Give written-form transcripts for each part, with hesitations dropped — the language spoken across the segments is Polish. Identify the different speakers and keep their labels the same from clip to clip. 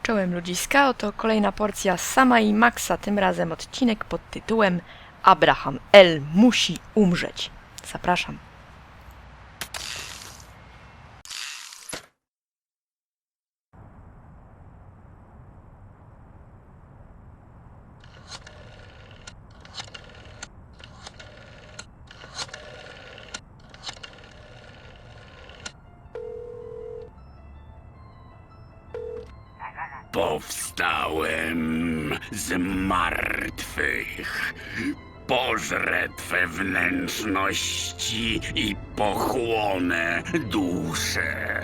Speaker 1: Czołem ludziska, oto kolejna porcja Sama i Maxa, tym razem odcinek pod tytułem Abraham L. musi umrzeć. Zapraszam.
Speaker 2: Powstałem z martwych. Pożrę twe wnętrzności i pochłonę duszę.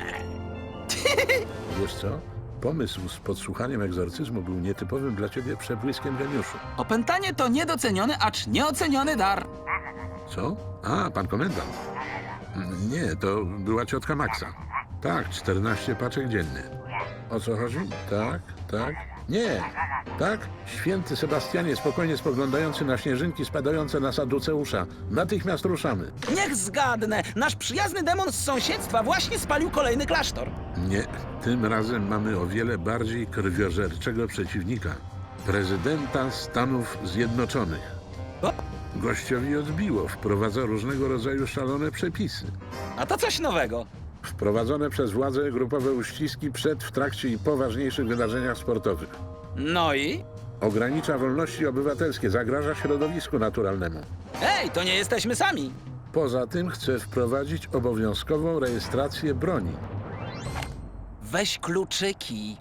Speaker 3: Wiesz co? Pomysł z podsłuchaniem egzorcyzmu był nietypowym dla ciebie przebłyskiem geniuszu.
Speaker 4: Opętanie to niedoceniony, acz nieoceniony dar.
Speaker 3: Co? A, pan komendant. Nie, to była ciotka Maxa. Tak, 14 paczek dziennie. O co chodzi? Tak, tak. Nie, tak? Święty Sebastianie, spokojnie spoglądający na śnieżynki spadające na Saduceusza. Natychmiast ruszamy.
Speaker 4: Niech zgadnę, nasz przyjazny demon z sąsiedztwa właśnie spalił kolejny klasztor.
Speaker 3: Nie, tym razem mamy o wiele bardziej krwiożerczego przeciwnika. Prezydenta Stanów Zjednoczonych.
Speaker 4: O,
Speaker 3: Gościowi odbiło, wprowadza różnego rodzaju szalone przepisy.
Speaker 4: a to coś nowego.
Speaker 3: Wprowadzone przez władze grupowe uściski przed, w trakcie i po ważniejszych wydarzeniach sportowych.
Speaker 4: No i?
Speaker 3: Ogranicza wolności obywatelskie, zagraża środowisku naturalnemu.
Speaker 4: Ej, to nie jesteśmy sami.
Speaker 3: Poza tym chce wprowadzić obowiązkową rejestrację broni.
Speaker 4: Weź kluczyki.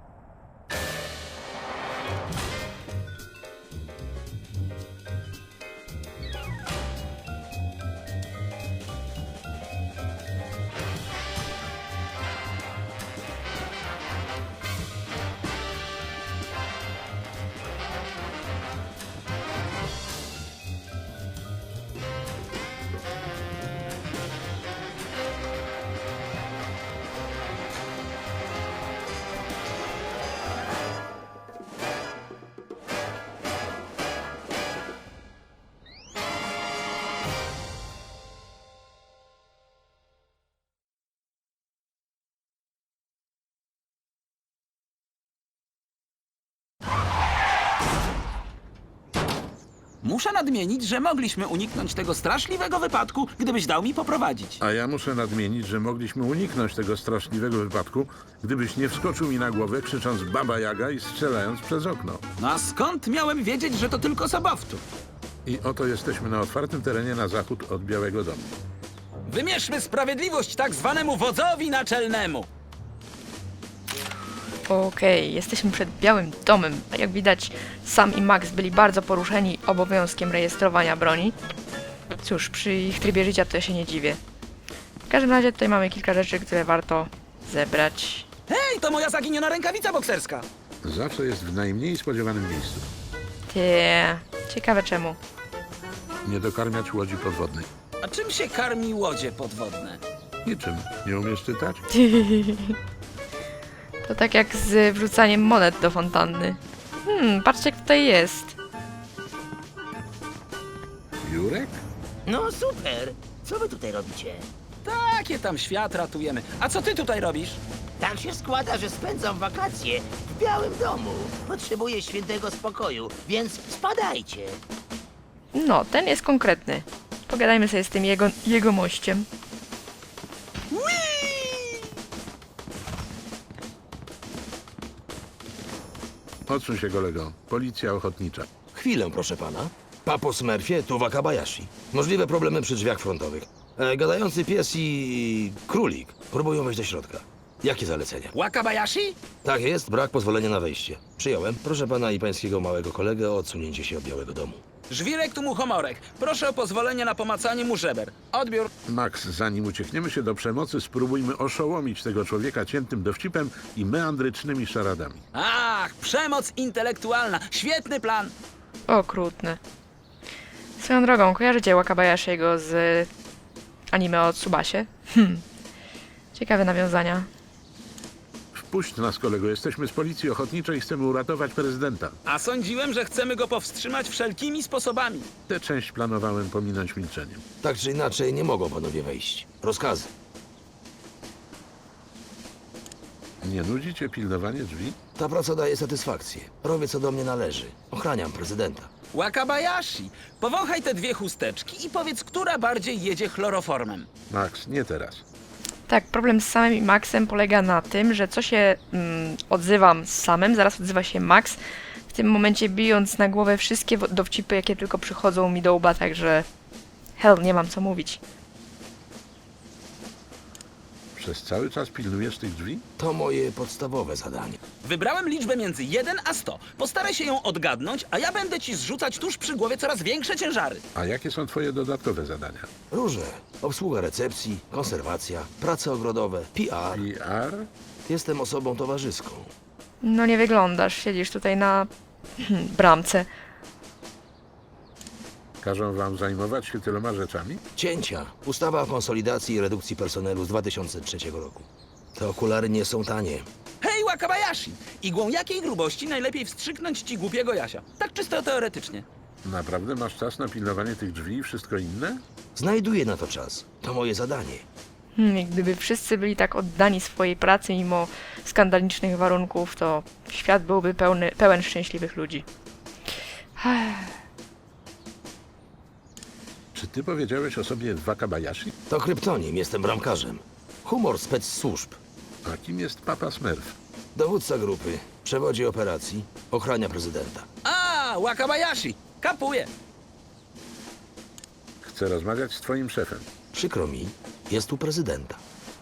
Speaker 4: Muszę nadmienić, że mogliśmy uniknąć tego straszliwego wypadku, gdybyś dał mi poprowadzić.
Speaker 3: A ja muszę nadmienić, że mogliśmy uniknąć tego straszliwego wypadku, gdybyś nie wskoczył mi na głowę, krzycząc Baba Jaga i strzelając przez okno.
Speaker 4: No a skąd miałem wiedzieć, że to tylko sobowtór?
Speaker 3: I oto jesteśmy na otwartym terenie na zachód od Białego Domu.
Speaker 4: Wymierzmy sprawiedliwość tak zwanemu wodzowi naczelnemu.
Speaker 1: Okej, jesteśmy przed Białym Domem. Jak widać, Sam i Max byli bardzo poruszeni obowiązkiem rejestrowania broni. Cóż, przy ich trybie życia to ja się nie dziwię. W każdym razie tutaj mamy kilka rzeczy, które warto zebrać.
Speaker 4: Hej, to moja zaginiona rękawica bokserska.
Speaker 3: Zawsze jest w najmniej spodziewanym miejscu.
Speaker 1: Ciekawe czemu.
Speaker 3: Nie dokarmiać łodzi podwodnej.
Speaker 4: A czym się karmi łodzie podwodne?
Speaker 3: Niczym. Nie umiesz czytać?
Speaker 1: To tak jak z wrzucaniem monet do fontanny. Patrzcie jak tutaj jest.
Speaker 3: Jurek?
Speaker 5: No super! Co wy tutaj robicie?
Speaker 4: Takie tam świat ratujemy. A co ty tutaj robisz?
Speaker 5: Tak się składa, że spędzam wakacje w Białym Domu. Potrzebuję świętego spokoju, więc spadajcie.
Speaker 1: No, ten jest konkretny. Pogadajmy sobie z tym jego mościem.
Speaker 3: Odsuń się, kolego. Policja ochotnicza.
Speaker 6: Chwilę, proszę pana. Papo Smurfie, tu Wakabayashi. Możliwe problemy przy drzwiach frontowych. Gadający pies i królik próbują wejść do środka. Jakie zalecenia?
Speaker 4: Wakabayashi?
Speaker 6: Tak jest, brak pozwolenia na wejście. Przyjąłem. Proszę pana i pańskiego małego kolegę o odsunięcie się od Białego Domu.
Speaker 4: Żwirek tu muchomorek. Proszę o pozwolenie na pomacanie mu żeber. Odbiór.
Speaker 3: Max, zanim uciekniemy się do przemocy, spróbujmy oszołomić tego człowieka ciętym dowcipem i meandrycznymi szaradami.
Speaker 4: Ach, przemoc intelektualna. Świetny plan.
Speaker 1: Okrutny. Swoją drogą, kojarzycie Wakabayashiego z anime o Tsubasie? Ciekawe nawiązania.
Speaker 3: Wpuść nas, kolego. Jesteśmy z policji ochotniczej i chcemy uratować prezydenta.
Speaker 4: A sądziłem, że chcemy go powstrzymać wszelkimi sposobami.
Speaker 3: Tę część planowałem pominąć milczeniem.
Speaker 6: Tak czy inaczej, nie mogą panowie wejść. Rozkazy.
Speaker 3: Nie nudzi cię pilnowanie drzwi?
Speaker 6: Ta praca daje satysfakcję. Robię, co do mnie należy. Ochraniam prezydenta.
Speaker 4: Wakabayashi, powąchaj te dwie chusteczki i powiedz, która bardziej jedzie chloroformem.
Speaker 3: Max, nie teraz.
Speaker 1: Tak, problem z samym i Maxem polega na tym, że co się odzywam z samym, zaraz odzywa się Max, w tym momencie bijąc na głowę wszystkie dowcipy, jakie tylko przychodzą mi do łba, także hell, nie mam co mówić.
Speaker 3: Przez cały czas pilnujesz tych drzwi?
Speaker 6: To moje podstawowe zadanie.
Speaker 4: Wybrałem liczbę między 1 a 100. Postaraj się ją odgadnąć, a ja będę ci zrzucać tuż przy głowie coraz większe ciężary.
Speaker 3: A jakie są twoje dodatkowe zadania?
Speaker 6: Różne. Obsługa recepcji, konserwacja, prace ogrodowe, PR.
Speaker 3: PR?
Speaker 6: Jestem osobą towarzyską.
Speaker 1: No nie wyglądasz, siedzisz tutaj na bramce.
Speaker 3: Każą wam zajmować się tyloma rzeczami?
Speaker 6: Cięcia. Ustawa o konsolidacji i redukcji personelu z 2003 roku. Te okulary nie są tanie.
Speaker 4: Hej, Wakabayashi! Igłą jakiej grubości najlepiej wstrzyknąć ci głupiego Jasia? Tak czysto teoretycznie.
Speaker 3: Naprawdę masz czas na pilnowanie tych drzwi i wszystko inne?
Speaker 6: Znajduję na to czas. To moje zadanie.
Speaker 1: I gdyby wszyscy byli tak oddani swojej pracy mimo skandalicznych warunków, to świat byłby pełen szczęśliwych ludzi.
Speaker 3: Czy ty powiedziałeś o sobie Wakabayashi?
Speaker 6: To kryptonim, jestem bramkarzem. Humor spec służb.
Speaker 3: A kim jest Papa Smurf?
Speaker 6: Dowódca grupy, przewodzi operacji, ochrania prezydenta.
Speaker 4: A, Wakabayashi! Kapuję!
Speaker 3: Chcę rozmawiać z twoim szefem.
Speaker 6: Przykro mi, jest u prezydenta.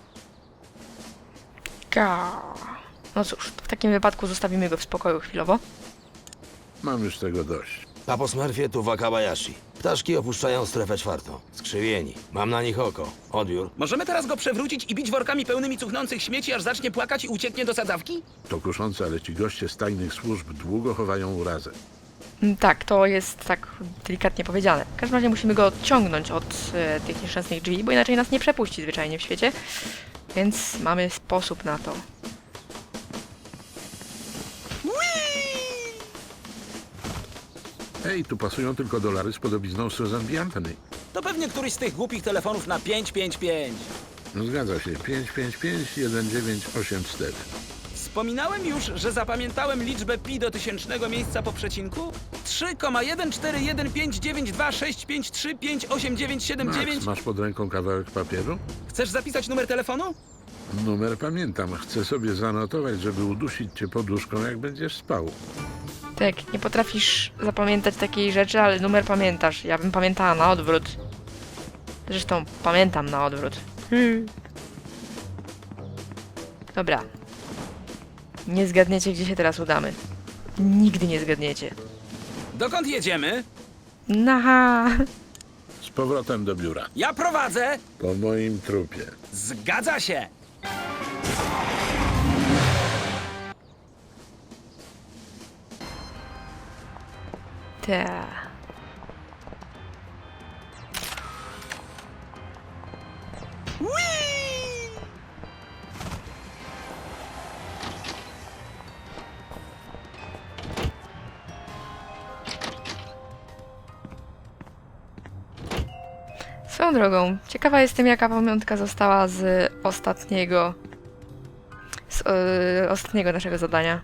Speaker 1: No cóż, w takim wypadku zostawimy go w spokoju chwilowo.
Speaker 3: Mam już tego dość.
Speaker 6: Papo Smurfie, tu Wakabayashi. Ptaszki opuszczają strefę czwartą. Skrzywieni. Mam na nich oko. Odbiór.
Speaker 4: Możemy teraz go przewrócić i bić workami pełnymi cuchnących śmieci, aż zacznie płakać i ucieknie do sadzawki?
Speaker 3: To kuszące, ale ci goście z tajnych służb długo chowają urazę.
Speaker 1: Tak, to jest tak delikatnie powiedziane. W każdym razie musimy go odciągnąć od tych nieszczęsnych drzwi, bo inaczej nas nie przepuści zwyczajnie w świecie. Więc mamy sposób na to.
Speaker 3: Ej, tu pasują tylko dolary z podobizną Susan B. Anthony.
Speaker 4: To pewnie któryś z tych głupich telefonów na 555.
Speaker 3: No zgadza się, 555-1984.
Speaker 4: Wspominałem już, że zapamiętałem liczbę pi do tysięcznego miejsca po przecinku? 3,141552653589979.
Speaker 3: Max, masz pod ręką kawałek papieru?
Speaker 4: Chcesz zapisać numer telefonu?
Speaker 3: Numer pamiętam. Chcę sobie zanotować, żeby udusić cię poduszką, jak będziesz spał.
Speaker 1: Tak, nie potrafisz zapamiętać takiej rzeczy, ale numer pamiętasz. Ja bym pamiętała na odwrót. Zresztą pamiętam na odwrót. Dobra. Nie zgadniecie, gdzie się teraz udamy. Nigdy nie zgadniecie.
Speaker 4: Dokąd jedziemy?
Speaker 1: Naha!
Speaker 3: Z powrotem do biura.
Speaker 4: Ja prowadzę!
Speaker 3: Po moim trupie.
Speaker 4: Zgadza się!
Speaker 1: Ta. Swoją drogą, ciekawa jestem, jaka pamiątka została z ostatniego naszego zadania.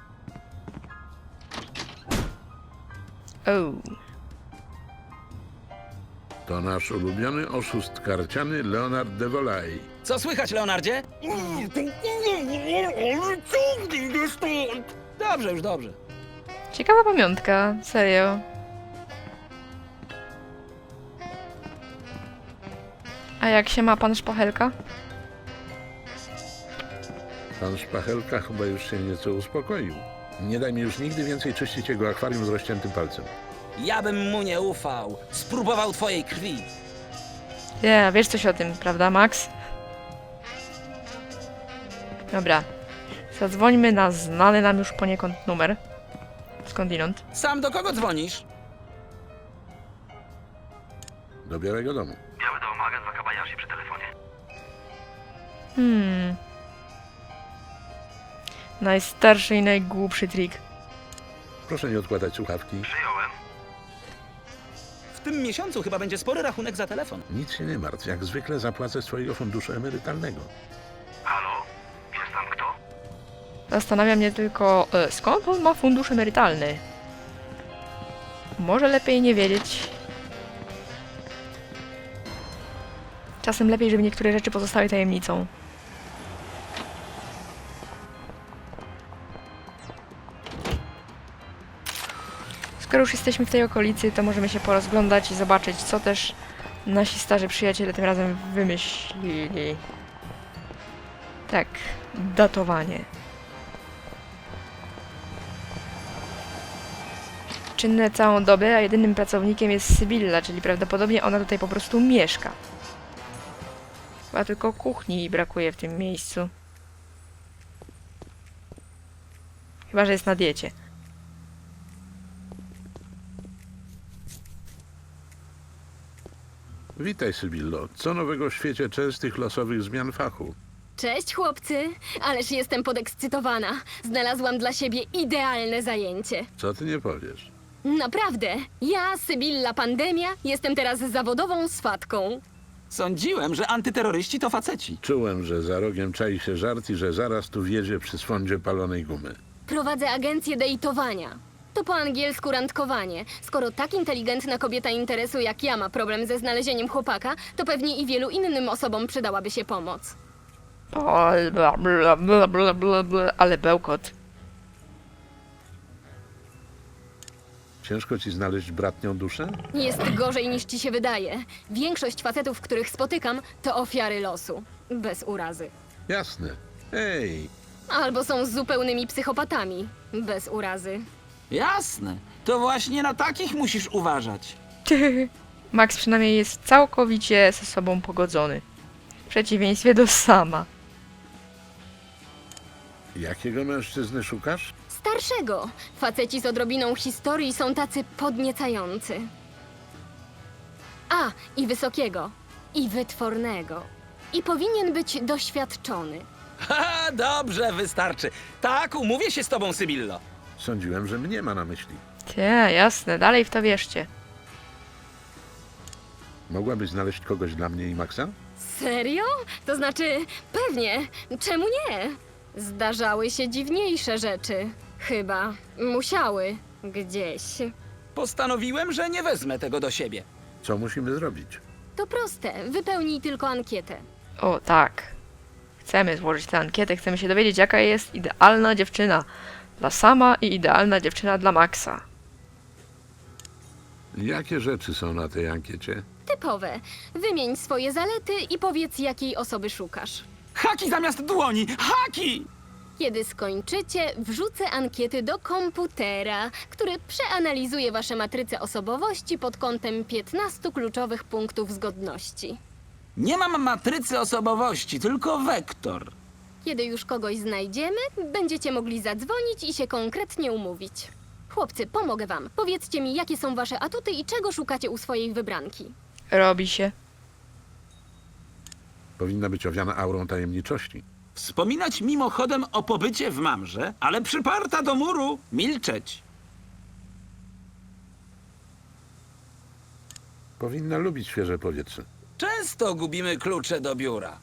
Speaker 3: To nasz ulubiony oszust karciany Leonard de Volay.
Speaker 4: Co słychać, Leonardzie? Dobrze, już dobrze.
Speaker 1: Ciekawa pamiątka, serio. A jak się ma pan Szpachelka?
Speaker 3: Pan Szpachelka chyba już się nieco uspokoił. Nie daj mi już nigdy więcej czyścić jego akwarium z rozciętym palcem.
Speaker 4: Ja bym mu nie ufał. Spróbował twojej krwi.
Speaker 1: Ja, wiesz coś o tym, prawda, Max? Dobra. Zadzwońmy na znany nam już poniekąd numer. Skądinąd.
Speaker 4: Sam do kogo dzwonisz?
Speaker 3: Do Białego Domu.
Speaker 7: Biały Dom, agent Wakabayashi przy telefonie.
Speaker 1: Najstarszy i najgłupszy trik.
Speaker 3: Proszę nie odkładać słuchawki.
Speaker 7: Przyjąłem.
Speaker 4: W tym miesiącu chyba będzie spory rachunek za telefon.
Speaker 3: Nic się nie martw, jak zwykle zapłacę z swojego funduszu emerytalnego.
Speaker 7: Halo? Jest tam kto?
Speaker 1: Zastanawia mnie tylko, skąd on ma fundusz emerytalny? Może lepiej nie wiedzieć. Czasem lepiej, żeby niektóre rzeczy pozostały tajemnicą. Skoro już jesteśmy w tej okolicy, to możemy się porozglądać i zobaczyć, co też nasi starzy przyjaciele tym razem wymyślili. Tak, datowanie. Czynne całą dobę, a jedynym pracownikiem jest Sybilla, czyli prawdopodobnie ona tutaj po prostu mieszka. Chyba tylko kuchni brakuje w tym miejscu. Chyba że jest na diecie.
Speaker 3: Witaj, Sybillo. Co nowego w świecie częstych losowych zmian fachu?
Speaker 8: Cześć chłopcy, ależ jestem podekscytowana. Znalazłam dla siebie idealne zajęcie.
Speaker 3: Co ty nie powiesz?
Speaker 8: Naprawdę, ja, Sybilla Pandemia, jestem teraz zawodową swatką.
Speaker 4: Sądziłem, że antyterroryści to faceci.
Speaker 3: Czułem, że za rogiem czai się żart i że zaraz tu wjedzie przy swądzie palonej gumy.
Speaker 8: Prowadzę agencję dejtowania. To po angielsku randkowanie. Skoro tak inteligentna kobieta interesu jak ja ma problem ze znalezieniem chłopaka, to pewnie i wielu innym osobom przydałaby się pomoc.
Speaker 1: O, bla, bla, bla, bla, bla, bla, ale bełkot.
Speaker 3: Ciężko ci znaleźć bratnią duszę?
Speaker 8: Jest gorzej niż ci się wydaje. Większość facetów, których spotykam, to ofiary losu. Bez urazy.
Speaker 3: Jasne. Ej,
Speaker 8: Albo są zupełnymi psychopatami. Bez urazy.
Speaker 4: Jasne. To właśnie na takich musisz uważać.
Speaker 1: Max przynajmniej jest całkowicie ze sobą pogodzony. W przeciwieństwie do Sama.
Speaker 3: jakiego mężczyzny szukasz?
Speaker 8: Starszego. Faceci z odrobiną historii są tacy podniecający. A, i wysokiego. I wytwornego. I powinien być doświadczony.
Speaker 4: Ha, dobrze, wystarczy. Tak, umówię się z tobą, Sybillo.
Speaker 3: Sądziłem, że mnie ma na myśli.
Speaker 1: Tie, jasne, dalej w to wierzcie.
Speaker 3: Mogłabyś znaleźć kogoś dla mnie i Maxa?
Speaker 8: Serio? To znaczy, pewnie. Czemu nie? Zdarzały się dziwniejsze rzeczy. Chyba. Musiały. Gdzieś.
Speaker 4: Postanowiłem, że nie wezmę tego do siebie.
Speaker 3: Co musimy zrobić?
Speaker 8: To proste. Wypełnij tylko ankietę.
Speaker 1: O, tak. Chcemy złożyć tę ankietę, chcemy się dowiedzieć, jaka jest idealna dziewczyna dla Sama i idealna dziewczyna dla Maxa.
Speaker 3: Jakie rzeczy są na tej ankiecie?
Speaker 8: Typowe. Wymień swoje zalety i powiedz, jakiej osoby szukasz.
Speaker 4: Haki zamiast dłoni! Haki!
Speaker 8: Kiedy skończycie, wrzucę ankiety do komputera, który przeanalizuje wasze matryce osobowości pod kątem 15 kluczowych punktów zgodności.
Speaker 4: Nie mam matrycy osobowości, tylko wektor.
Speaker 8: Kiedy już kogoś znajdziemy, będziecie mogli zadzwonić i się konkretnie umówić. Chłopcy, pomogę wam. Powiedzcie mi, jakie są wasze atuty i czego szukacie u swojej wybranki.
Speaker 1: Robi się.
Speaker 3: Powinna być owiana aurą tajemniczości.
Speaker 2: Wspominać mimochodem o pobycie w Mamrze, ale przyparta do muru milczeć.
Speaker 3: Powinna lubić świeże powietrze.
Speaker 4: Często gubimy klucze do biura.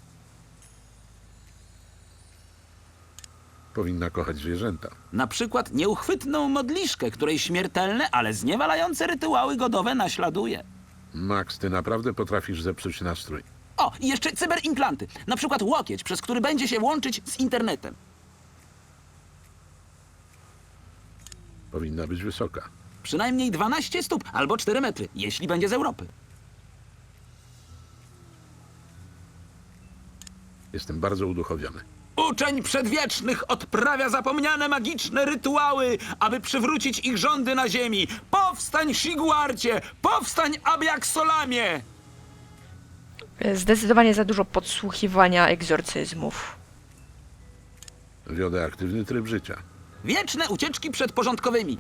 Speaker 3: Powinna kochać zwierzęta.
Speaker 2: Na przykład nieuchwytną modliszkę, której śmiertelne, ale zniewalające rytuały godowe naśladuje.
Speaker 3: Max, ty naprawdę potrafisz zepsuć nastrój.
Speaker 2: O, i jeszcze cyberimplanty. Na przykład łokieć, przez który będzie się łączyć z internetem.
Speaker 3: Powinna być wysoka.
Speaker 2: Przynajmniej 12 stóp albo 4 metry, jeśli będzie z Europy.
Speaker 3: Jestem bardzo uduchowiony.
Speaker 2: Uczeń przedwiecznych odprawia zapomniane magiczne rytuały, aby przywrócić ich rządy na ziemi. Powstań, Shiguarcie! Powstań, Abiaksolamie!
Speaker 1: Zdecydowanie za dużo podsłuchiwania egzorcyzmów.
Speaker 3: Wiodę aktywny tryb życia.
Speaker 2: Wieczne ucieczki przed porządkowymi.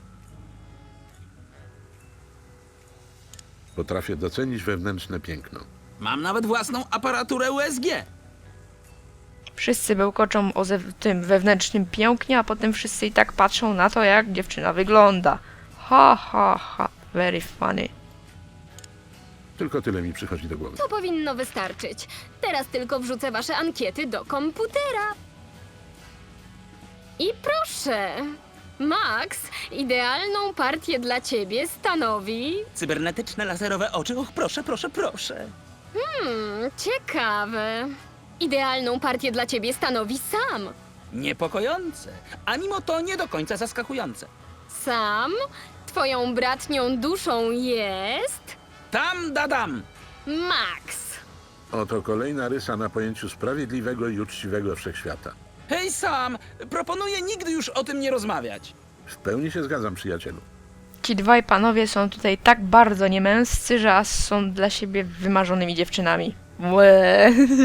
Speaker 3: Potrafię docenić wewnętrzne piękno.
Speaker 2: Mam nawet własną aparaturę USG.
Speaker 1: Wszyscy bełkoczą o tym wewnętrznym pięknie, a potem wszyscy i tak patrzą na to, jak dziewczyna wygląda. Ha, ha, ha. Very funny.
Speaker 3: Tylko tyle mi przychodzi do głowy.
Speaker 8: To powinno wystarczyć. Teraz tylko wrzucę wasze ankiety do komputera. I proszę, Max, idealną partię dla ciebie stanowi...
Speaker 4: Cybernetyczne laserowe oczy, och proszę, proszę, proszę.
Speaker 8: Ciekawe. Idealną partię dla ciebie stanowi Sam.
Speaker 4: Niepokojące, a mimo to nie do końca zaskakujące.
Speaker 8: Sam, twoją bratnią duszą jest...
Speaker 4: Tam dadam!
Speaker 8: Max.
Speaker 3: Oto kolejna rysa na pojęciu sprawiedliwego i uczciwego wszechświata.
Speaker 4: Hej Sam, proponuję nigdy już o tym nie rozmawiać.
Speaker 3: W pełni się zgadzam, przyjacielu.
Speaker 1: Ci dwaj panowie są tutaj tak bardzo niemęscy, że aż są dla siebie wymarzonymi dziewczynami. Łe.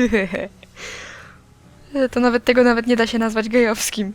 Speaker 1: To tego nawet nie da się nazwać gejowskim.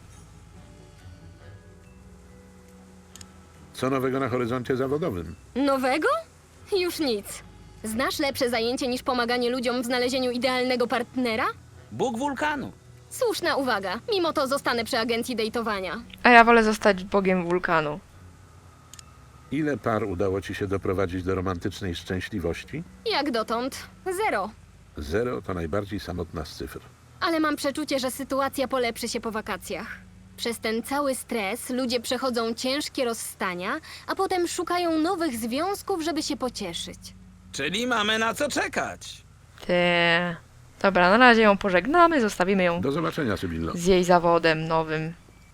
Speaker 3: Co nowego na horyzoncie zawodowym?
Speaker 8: Nowego? Już nic. Znasz lepsze zajęcie niż pomaganie ludziom w znalezieniu idealnego partnera?
Speaker 4: Bóg wulkanu.
Speaker 8: Słuszna uwaga. Mimo to zostanę przy agencji dejtowania.
Speaker 1: A ja wolę zostać bogiem wulkanu.
Speaker 3: Ile par udało ci się doprowadzić do romantycznej szczęśliwości?
Speaker 8: Jak dotąd? 0.
Speaker 3: 0 to najbardziej samotna z cyfr.
Speaker 8: Ale mam przeczucie, że sytuacja polepszy się po wakacjach. Przez ten cały stres ludzie przechodzą ciężkie rozstania, a potem szukają nowych związków, żeby się pocieszyć.
Speaker 4: Czyli mamy na co czekać.
Speaker 1: Te... Dobra, na razie ją pożegnamy, zostawimy ją
Speaker 3: Do zobaczenia, Sybillo.
Speaker 1: z jej zawodem nowym.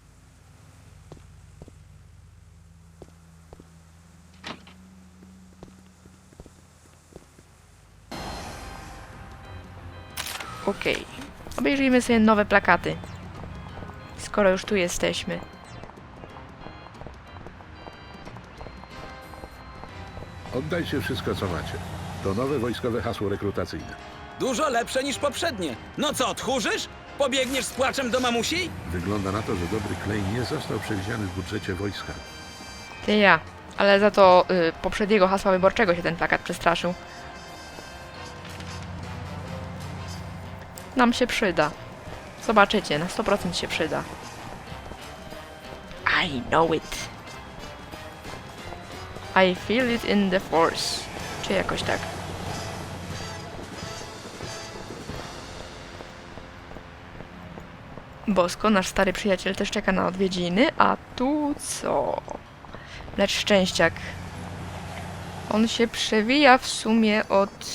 Speaker 1: Okej. Obejrzyjmy sobie nowe plakaty. Skoro już tu jesteśmy.
Speaker 3: Oddajcie wszystko, co macie. To nowe wojskowe hasło rekrutacyjne.
Speaker 4: Dużo lepsze niż poprzednie. No co, tchórzysz? Pobiegniesz z płaczem do mamusi?
Speaker 3: Wygląda na to, że dobry klej nie został przewidziany w budżecie wojska.
Speaker 1: Ty ja. Ale za to poprzedniego hasła wyborczego się ten plakat przestraszył. Nam się przyda. Zobaczycie, na 100% się przyda. I know it. I feel it in the force. Czy jakoś tak. Bosko, nasz stary przyjaciel też czeka na odwiedziny, a tu co? Lecz szczęściak. On się przewija w sumie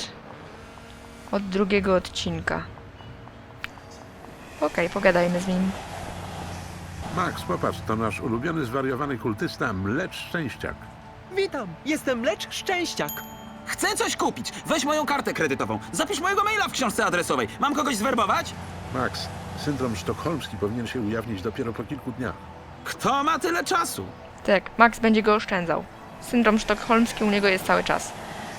Speaker 1: od drugiego odcinka. Okej, pogadajmy z nim.
Speaker 3: Max, popatrz, to nasz ulubiony zwariowany kultysta Mlecz Szczęściak.
Speaker 9: Witam, jestem Lecz Szczęściak.
Speaker 2: Chcę coś kupić. Weź moją kartę kredytową. Zapisz mojego maila w książce adresowej. Mam kogoś zwerbować?
Speaker 3: Max, syndrom sztokholmski powinien się ujawnić dopiero po kilku dniach.
Speaker 2: Kto ma tyle czasu?
Speaker 1: Tak, Max będzie go oszczędzał. Syndrom sztokholmski u niego jest cały czas.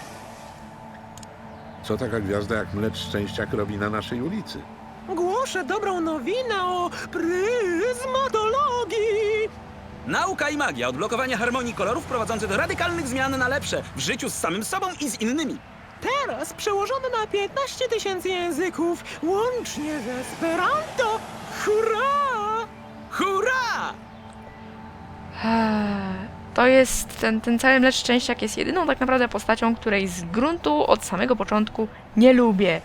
Speaker 3: Co taka gwiazda jak Mlecz Szczęściak robi na naszej ulicy?
Speaker 9: Głoszę dobrą nowinę o pryzmatologii.
Speaker 4: Nauka i magia, odblokowanie harmonii kolorów prowadzące do radykalnych zmian na lepsze w życiu z samym sobą i z innymi.
Speaker 9: Teraz przełożony na 15 000 języków, łącznie z Esperanto. Hurra!
Speaker 4: Hurra!
Speaker 1: To jest, ten cały Mlecz Szczęściak jest jedyną tak naprawdę postacią, której z gruntu od samego początku nie lubię.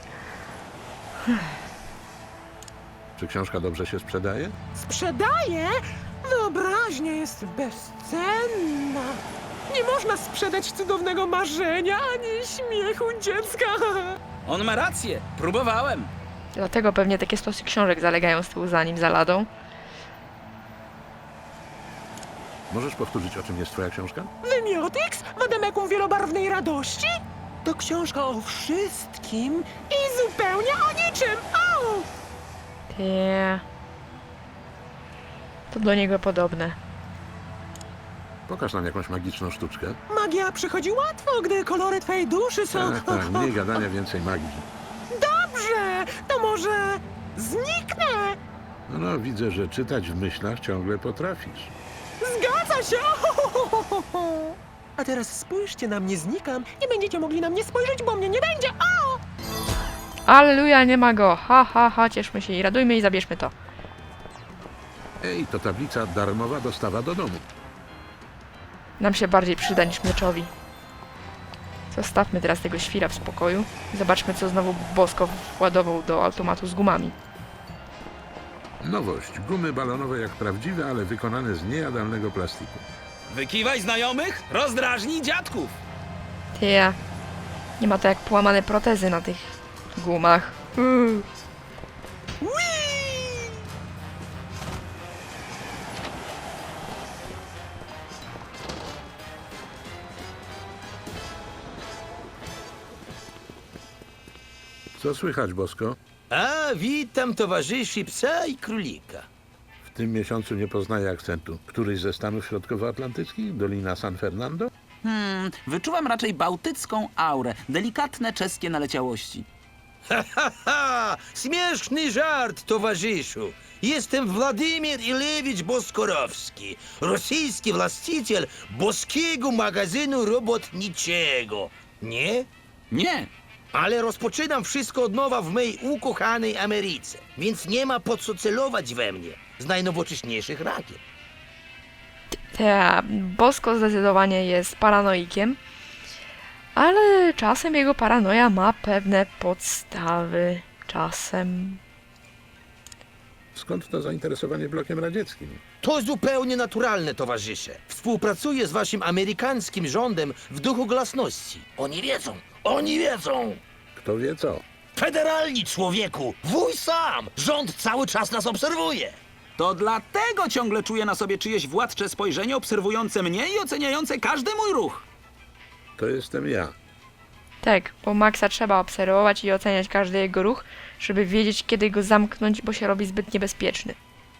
Speaker 3: Czy książka dobrze się sprzedaje?
Speaker 9: Sprzedaje? Wyobraźnia jest bezcenna. Nie można sprzedać cudownego marzenia ani śmiechu dziecka.
Speaker 4: On ma rację, próbowałem.
Speaker 1: Dlatego pewnie takie stosy książek zalegają z tyłu za nim, za ladą.
Speaker 3: Możesz powtórzyć, o czym jest twoja książka?
Speaker 9: Wymiotiks? Wademekum wielobarwnej radości? To książka o wszystkim i zupełnie o niczym. Au!
Speaker 1: Tie. To do niego podobne.
Speaker 3: Pokaż nam jakąś magiczną sztuczkę.
Speaker 9: Magia przychodzi łatwo, gdy kolory twojej duszy są...
Speaker 3: Tak, mniej gadania, więcej magii.
Speaker 9: Dobrze, to może zniknę.
Speaker 3: No, widzę, że czytać w myślach ciągle potrafisz.
Speaker 9: Zgadza się. A teraz spójrzcie na mnie, znikam. Nie będziecie mogli na mnie spojrzeć, bo mnie nie będzie. O!
Speaker 1: Alleluja, nie ma go. Ha, ha, ha, cieszmy się i radujmy i zabierzmy to.
Speaker 3: Ej, to tablica darmowa dostawa do domu.
Speaker 1: Nam się bardziej przyda niż Mleczowi. Zostawmy teraz tego świra w spokoju. Zobaczmy, co znowu Bosko władował do automatu z gumami.
Speaker 3: Nowość. Gumy balonowe jak prawdziwe, ale wykonane z niejadalnego plastiku.
Speaker 4: Wykiwaj znajomych, rozdrażnij dziadków.
Speaker 1: Ty, nie ma to jak połamane protezy na tych gumach.
Speaker 3: Co słychać, Bosko?
Speaker 6: A, witam towarzyszy psa i królika.
Speaker 3: W tym miesiącu nie poznaję akcentu. Któryś ze stanów środkowoatlantyckich? Dolina San Fernando?
Speaker 2: Wyczuwam raczej bałtycką aurę, delikatne czeskie naleciałości.
Speaker 6: Ha, śmieszny żart, towarzyszu. Jestem Władimir Ilewicz Boskorowski, rosyjski właściciel boskiego magazynu robotniczego. Nie?
Speaker 2: Nie,
Speaker 6: Ale rozpoczynam wszystko od nowa w mojej ukochanej Ameryce, więc nie ma po co celować we mnie z najnowocześniejszych rakiet.
Speaker 1: Te, Bosko zdecydowanie jest paranoikiem, ale czasem jego paranoja ma pewne podstawy. Czasem.
Speaker 3: Skąd to zainteresowanie blokiem radzieckim?
Speaker 6: To zupełnie naturalne, towarzysze. Współpracuję z waszym amerykańskim rządem w duchu glasności. Oni wiedzą!
Speaker 3: Kto wie co?
Speaker 6: Federalni, człowieku! Wuj sam! Rząd cały czas nas obserwuje!
Speaker 2: to dlatego ciągle czuję na sobie czyjeś władcze spojrzenie obserwujące mnie i oceniające każdy mój ruch.
Speaker 3: To jestem ja.
Speaker 1: Tak, bo Maxa trzeba obserwować i oceniać każdy jego ruch, żeby wiedzieć, kiedy go zamknąć, bo się robi zbyt niebezpieczny.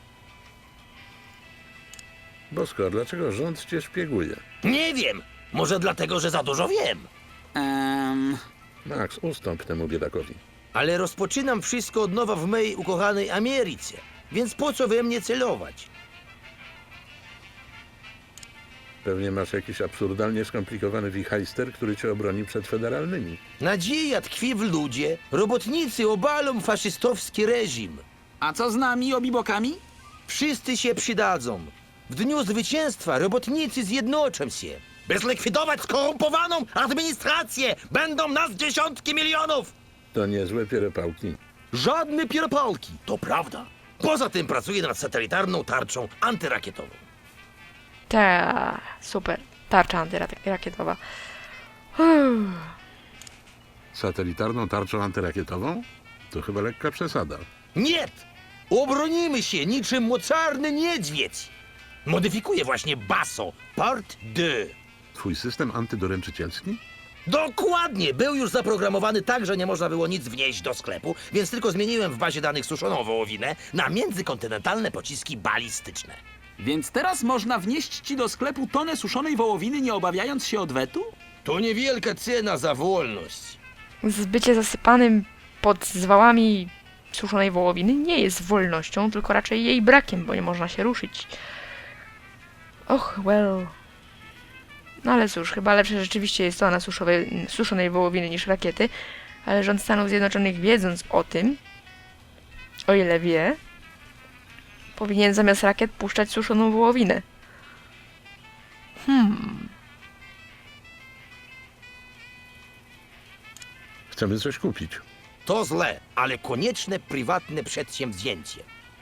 Speaker 3: Bosko, dlaczego rząd cię szpieguje?
Speaker 6: Nie wiem! Może dlatego, że za dużo wiem.
Speaker 3: Max, ustąp temu biedakowi.
Speaker 6: Ale rozpoczynam wszystko od nowa w mojej ukochanej Ameryce, więc po co we mnie celować?
Speaker 3: Pewnie masz jakiś absurdalnie skomplikowany wichajster, który cię obroni przed federalnymi.
Speaker 6: Nadzieja tkwi w ludzie. Robotnicy obalą faszystowski reżim.
Speaker 2: A co z nami, obibokami?
Speaker 6: Wszyscy się przydadzą. W dniu zwycięstwa robotnicy zjednoczą się. By zlikwidować skorumpowaną administrację, będą nas dziesiątki milionów!
Speaker 3: To niezłe pieropałki.
Speaker 6: Żadne pieropałki. To prawda. Poza tym pracuję nad satelitarną tarczą antyrakietową.
Speaker 1: Ta, super. Tarcza antyrakietowa.
Speaker 3: Satelitarną tarczą antyrakietową? To chyba lekka przesada.
Speaker 6: Nie! Obronimy się niczym mocarny niedźwiedź. Modyfikuję właśnie BASO, Part 2.
Speaker 3: Twój system antydoręczycielski?
Speaker 6: Dokładnie! Był już zaprogramowany tak, że nie można było nic wnieść do sklepu, więc tylko zmieniłem w bazie danych suszoną wołowinę na międzykontynentalne pociski balistyczne.
Speaker 2: Więc teraz można wnieść ci do sklepu tonę suszonej wołowiny, nie obawiając się odwetu?
Speaker 6: To niewielka cena za wolność.
Speaker 1: Bycie zasypanym pod zwałami suszonej wołowiny nie jest wolnością, tylko raczej jej brakiem, bo nie można się ruszyć. Och, well. No ale cóż, chyba lepsze rzeczywiście jest to na suszonej wołowiny niż rakiety, ale rząd Stanów Zjednoczonych, wiedząc o tym, o ile wie, powinien zamiast rakiet puszczać suszoną wołowinę.
Speaker 3: Chcemy coś kupić.
Speaker 6: To złe, ale konieczne prywatne przedsięwzięcie.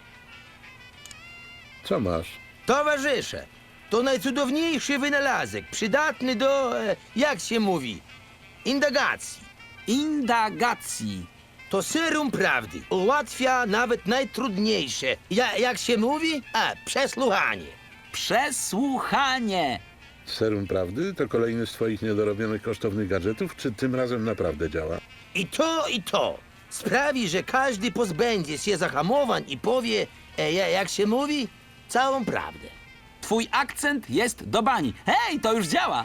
Speaker 3: Co masz?
Speaker 6: Towarzysze, to najcudowniejszy wynalazek, przydatny do, jak się mówi, indagacji.
Speaker 2: Indagacji.
Speaker 6: To serum prawdy. Ułatwia nawet najtrudniejsze. Jak się mówi? Przesłuchanie.
Speaker 2: Przesłuchanie.
Speaker 3: Serum prawdy to kolejny z twoich niedorobionych kosztownych gadżetów, czy tym razem naprawdę działa?
Speaker 6: I to. Sprawi, że każdy pozbędzie się zahamowań i powie, jak się mówi, całą prawdę.
Speaker 2: Twój akcent jest do bani. Hej, to już działa.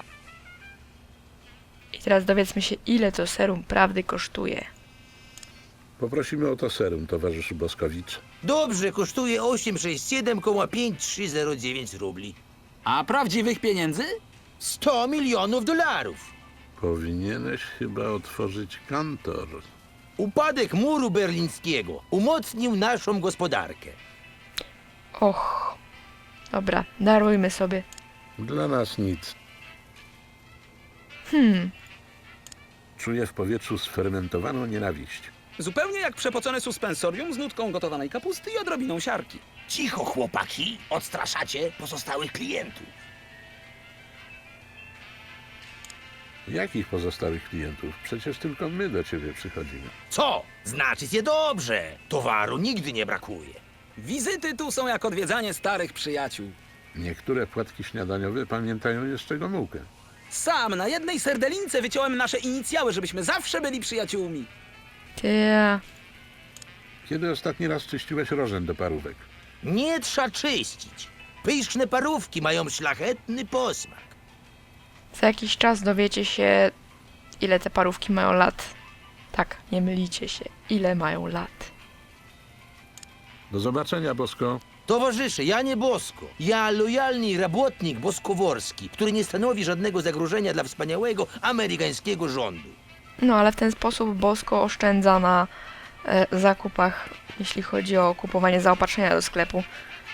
Speaker 1: I teraz dowiedzmy się, ile to serum prawdy kosztuje.
Speaker 3: Poprosimy o to serum, towarzyszu Boskowicz.
Speaker 6: Dobrze, kosztuje 867,5309 rubli.
Speaker 2: A prawdziwych pieniędzy?
Speaker 6: 100 milionów dolarów.
Speaker 3: Powinieneś chyba otworzyć kantor.
Speaker 6: Upadek muru berlińskiego umocnił naszą gospodarkę.
Speaker 1: Och. Dobra, darujmy sobie.
Speaker 3: Dla nas nic. Czuję w powietrzu sfermentowaną nienawiść.
Speaker 4: Zupełnie jak przepocone suspensorium z nutką gotowanej kapusty i odrobiną siarki.
Speaker 5: Cicho, chłopaki, odstraszacie pozostałych klientów.
Speaker 3: Jakich pozostałych klientów? Przecież tylko my do ciebie przychodzimy.
Speaker 5: Co? Znaczy się dobrze. Towaru nigdy nie brakuje.
Speaker 4: Wizyty tu są jak odwiedzanie starych przyjaciół.
Speaker 3: Niektóre płatki śniadaniowe pamiętają jeszcze Gomułkę.
Speaker 4: Sam na jednej serdelince wyciąłem nasze inicjały, żebyśmy zawsze byli przyjaciółmi.
Speaker 1: Ty.
Speaker 3: Kiedy ostatni raz czyściłeś rożen do parówek?
Speaker 5: Nie trzeba czyścić. Pyszne parówki mają szlachetny posmak.
Speaker 1: Za jakiś czas dowiecie się, ile te parówki mają lat. Tak, nie mylicie się. Ile mają lat.
Speaker 3: Do zobaczenia, Bosko.
Speaker 5: Towarzysze, ja nie Bosko. Ja lojalny robotnik boskoworski, który nie stanowi żadnego zagrożenia dla wspaniałego amerykańskiego rządu.
Speaker 1: No ale w ten sposób Bosko oszczędza na zakupach, jeśli chodzi o kupowanie zaopatrzenia do sklepu.